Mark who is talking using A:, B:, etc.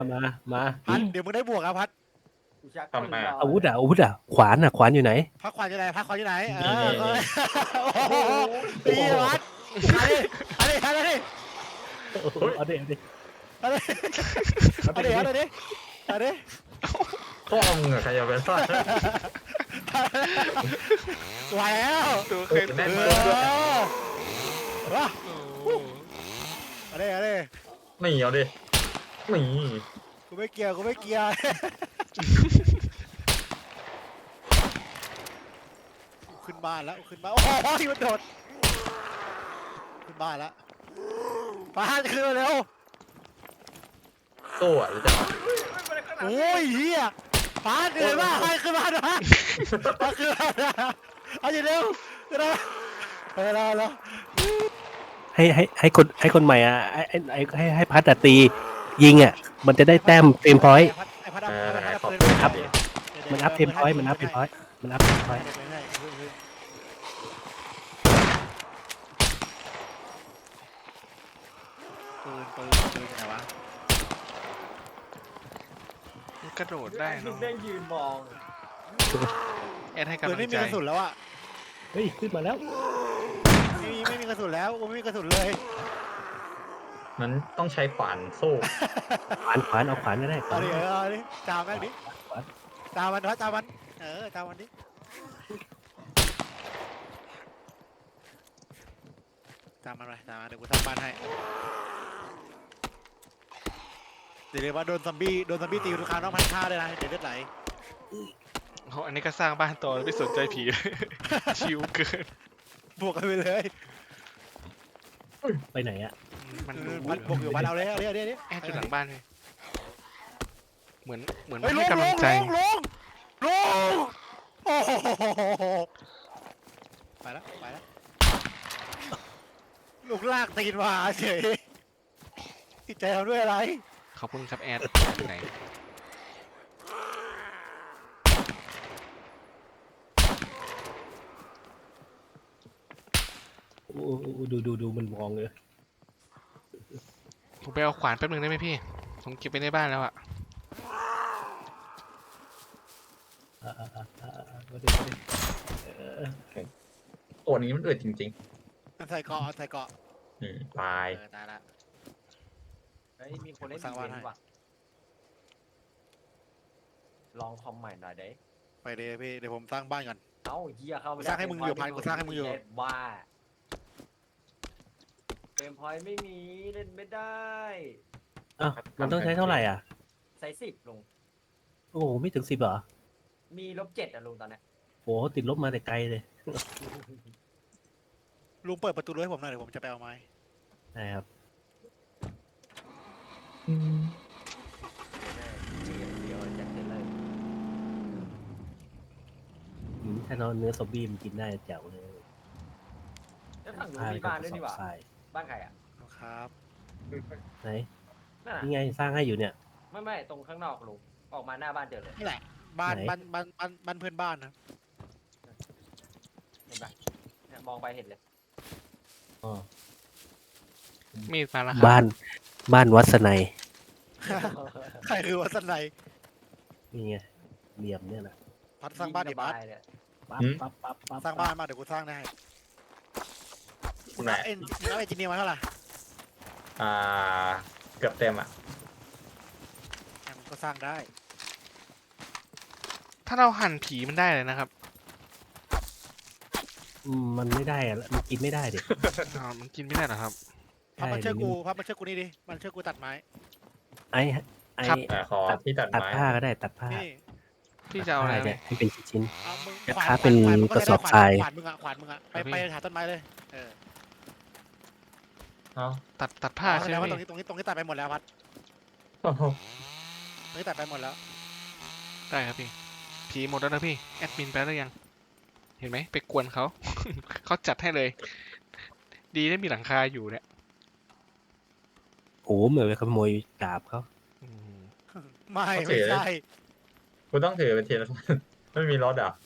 A: มา
B: พัดเดี๋ยวมึงได้บวกอ่ะพัด
C: ทำไมอะ
A: อาวุธขวานอยู่ไหน
B: พักขวานอยู่ไหนพักขวานอยู่ไหนเอ
C: นี่
B: อ
C: นี่
B: โอ้โหตีพัดอะไรอะไร
A: เอาดิ
B: อะไรอะไรอะไร
C: พ่อมึงอะใครจะไปซ่อน
B: ไหวแล้ว
D: ตัวเคย
C: แน่น
B: เอ
C: มากด้วย
B: อว้า
D: โอ้
B: อะไร
C: นี่เอาดินี่
B: กูไม่เกี่ยวขึ้นบ้านแล้วขึ้นบ้านโอ้โหมันโดดขึ้นบ้านแล้วพัดขึ้นมาเร็ว
C: ตู้อะหรือจะ
B: โอ้ยเฮียปาเหนื่อยมากให้ขึ้นมาหน่อยมาขึ้นมาเอาอย่างเร็วขึ้นมาแล้ว
A: ให้คนใหม่อ่ะให้พัดตียิงอ่ะมันจะได้แต้มเฟรมพอยต์
B: ไอ้พัด
C: ขอบคุณครับ
A: มันอัพเฟรมพอยต์มันอัพเฟรมพอยต์
B: ปืนไหนวะ
D: มันกระโดดได้เนาะ
E: เด้งยืนมอง
D: แอดให้
B: ปืน
D: กำลั
B: ไม่
D: ง
B: มี
D: ใจ
B: กระสุนแล้วอ่ะ
A: เฮ้ยขึ้นมาแล้ว
B: ไม่มีกระสุนแล้วไม่มีกระสุนเลย
C: มันต้องใช้ขวานสู้
A: ขวานเอาขวานก็ได้
B: เอาดิจามแม่งดิจามมันจามมันจามมันดิจามมันไปจามมันเดี๋ยวกูทำบ้านให้เดี๋ยวว่าโดนซอมบี้ตีทุกครั้งต้องพันฆ่าเลยนะเดี๋ยวเลือดไหล
D: โอ้อันนี้ก็สร้างบ้านต่อไม่สนใจผี ชิวเกิน
B: บวกกันไปเลย
A: ไปไหนอ่ะ
D: มันดู
B: มันบวกอยู่บ้านเอาเลย
D: แอดอยู่หลังบ้านเลยเหมือน
B: เฮ้ย
D: ให้กำลังใจ
B: ลงโอ้โหไปแล้วลูกลากตีนมาเฉยติดใจทำด้วยอะไร
D: ขอบคุณครับแอดอยู่ไหน
A: ดูมันมองเลย
D: ผมไปเอาขวานแป๊บนึงได้ไหมพี่ผมเก็บไปในบ้านแล้วอะ
C: ตัวนี้มันอึดจริง
B: ใส่เกาะ
C: ๆตาย
B: ตายละ
E: เฮ้ยมีคนเล่น
B: สร้างบ้าน
E: เก
B: ให้
E: มว่ะลองคอมใหม่หน่อยเด้
B: ไปเลยพี่เดี๋ยวผมสร้างบ้านก่อน
E: เอ้าเฮียเข้าไม่ได้
B: สร้างให้มึงอยู่พันกูสร้างให้มึงอยู่
E: บ้าเกมพอยต์ไม่มีเล่นไม่ได้
A: อ้าวมันต้องใช้เท่าไหร่อ่ะ
E: ใส่10ลุง
A: โอ้โหไม่ถึง10เหรอ
E: มี-7อะลุงตอนเนี้ย
A: โหติดลบมาแต่ไกลเลย
B: ลุงเปิดประตูด้วยให้ผมหน่อยเดี๋ยวผมจะไปเอาไม้
A: นะครับ
E: เดี๋ยวจัดเต็มเลย
A: ถ้าเนื้อซอมบี้มันกินได้แจ๋วเลย
E: แล้วฝั่งนู้นมีบ้านด้วยนี่หว่า
A: ทราย
E: บ้านใครอ่ะ
B: ครับ
A: ไหน
E: นั่นน่ะ
A: นี่ไงสร้างให้อยู่เนี่ย
E: ไม่ตรงข้างนอกลุงออกมาหน้าบ้านเจอเลย
B: นี่แหละบ้าน
A: ไหน
B: บ้านเพื่อนบ้านนะ
E: เห็นปะเนี่ยมองไปเห็นเลย
A: อ๋อ
D: มีดมาแล้วครับ
A: บ้านวัดสนัย
B: ใครคือวัสนัย
A: นี่ไงเหลี่ยมเนี่ยนะ
B: พัดสร้างบ้านดิ
E: ยิ
B: บัส
E: สบยเลย
A: ปั๊บ
B: สร้างบ้านมาเดี๋ยวกูสร้างได้
C: คุณแม่
B: เอ็นแล้วไอ้จีเนียมาเท่าไหร่
C: เกือบเต็มอ่ะ
B: มันก็สร้างได้
D: ถ้าเราหั่นผีมันได้เลยนะครับ
A: มันไม่ได้อะมันกินไม่ได้ดิ
D: มันกินไม่ได้เหรอครับ
B: พับมาเชื่อกูนี่ดิมันเชื่อกูตัดไม้
A: ไอ้
D: ครับ
C: ขอที่ตัด
A: ตัด
C: ไม้
A: ผ้าก็ได้ตัดผ้า
B: นี่
D: พี่จะเอาอะไร
A: ตัดผ้
D: เนี่ย
A: ให้เป็นชิ้น
B: เอามึง
A: จะ
B: ขวาน
A: ค้าเป็น
B: ขวานมึง
A: กระสอบทราย
B: ขวานมึงอะไปหาต้นไม้เลยเออ
C: เอ้า
D: ตัดผ้า
B: แส
D: ใช่
B: ด
D: ไห
B: ง
D: ม
B: ว่าตรง
D: พี่
B: นี้ตัดไปหมดแล้วพัด
C: โอ้โห
B: ตรงนี้ตัดไปหมดแล้ว
D: ได้ครับพี่ผีหมดแล้วนะพี่แอดมินไปแล้วยัง เห็นไหมไปกวนเขา เขาจัดให้เลย ดีได้มีหลังคาอยู่เนี่ย
A: โอ้เหมือนไปขโมยดาบเขา
D: อืม
B: ไม่ใช่
C: กูต้องถือเป็นทีละ ไม่มีรถอ่ะ